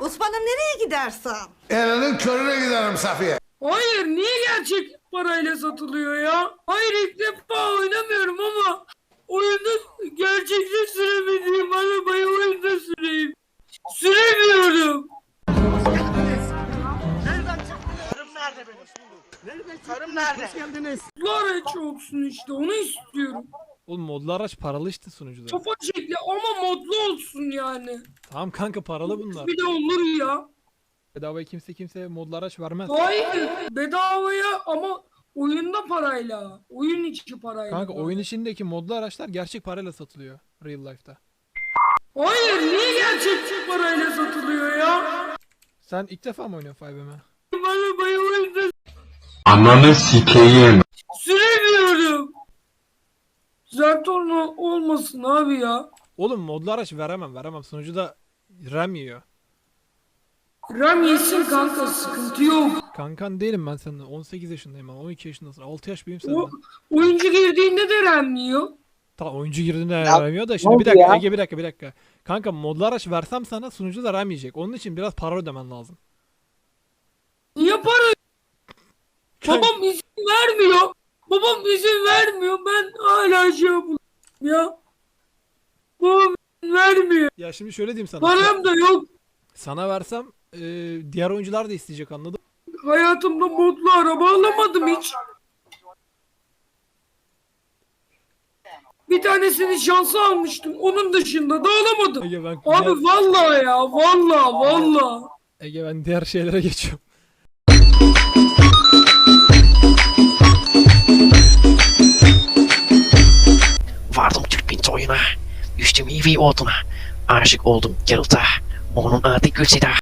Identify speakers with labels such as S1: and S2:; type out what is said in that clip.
S1: Osman'ım nereye gidersen?
S2: Elinin körüne giderim Safiye.
S3: Hayır, niye gerçek parayla satılıyor ya? Hayır, ilk defa oynamıyorum ama oyunda gerçekte süremediğim arabayı oyunda süreyim. Süremiyorum.
S4: Karım nerede?
S3: Bu araç olsun işte, onu istiyorum.
S5: Oğlum modlu araç paralı işte sunucuda.
S3: Kafa şekli ama modlu olsun yani.
S5: Tamam kanka paralı bunlar.
S3: Bir de olur ya.
S5: Bedavaya kimse modlu araç vermez.
S3: Hayır, bedavaya ama oyunda parayla. Oyun içi parayla.
S5: Kanka oyun içindeki modlu araçlar gerçek parayla satılıyor real life'da.
S3: Hayır, niye gerçek parayla satılıyor ya?
S5: Sen ilk defa mı oynuyorsun 5M'e?
S3: Arabayı oyunda
S2: Ananı sikeyim.
S3: süremiyorum. Zertorno olmasın abi ya.
S5: Oğlum modlu araç veremem. Sunucuda RAM yiyor.
S3: RAM yesin kanka, sıkıntı yok.
S5: Kankan değilim ben senden. 18 yaşındayım ben. 12 yaşındasın. 6 yaş büyüğüm
S3: O,
S5: senden.
S3: oyuncu girdiğinde de RAM yiyor.
S5: Tamam oyuncu girdiğinde RAM yiyor da şimdi bir dakika Ege bir dakika. Kanka modlu araç versem sana sunucuda RAM yiyecek. Onun için biraz para ödemen lazım.
S3: Niye para? Babam izin vermiyor. Babam izin vermiyor. Ben hala şey yapıyorum ya. Babam izin vermiyor.
S5: Ya şimdi şöyle diyeyim sana.
S3: Param da yok.
S5: Sana versem diğer oyuncular da isteyecek anladın mı?
S3: Hayatımda modlu araba alamadım hiç. Bir tanesini şansa almıştım. Onun dışında da alamadım.
S5: Ege ben,
S3: Abi vallahi ya. Vallahi.
S5: Ege ben diğer şeylere geçiyorum.
S6: Vardım Türk bin soyuna, düştüm iyi oduna. Aşık oldum Geralt'a, onun adı Gülseda.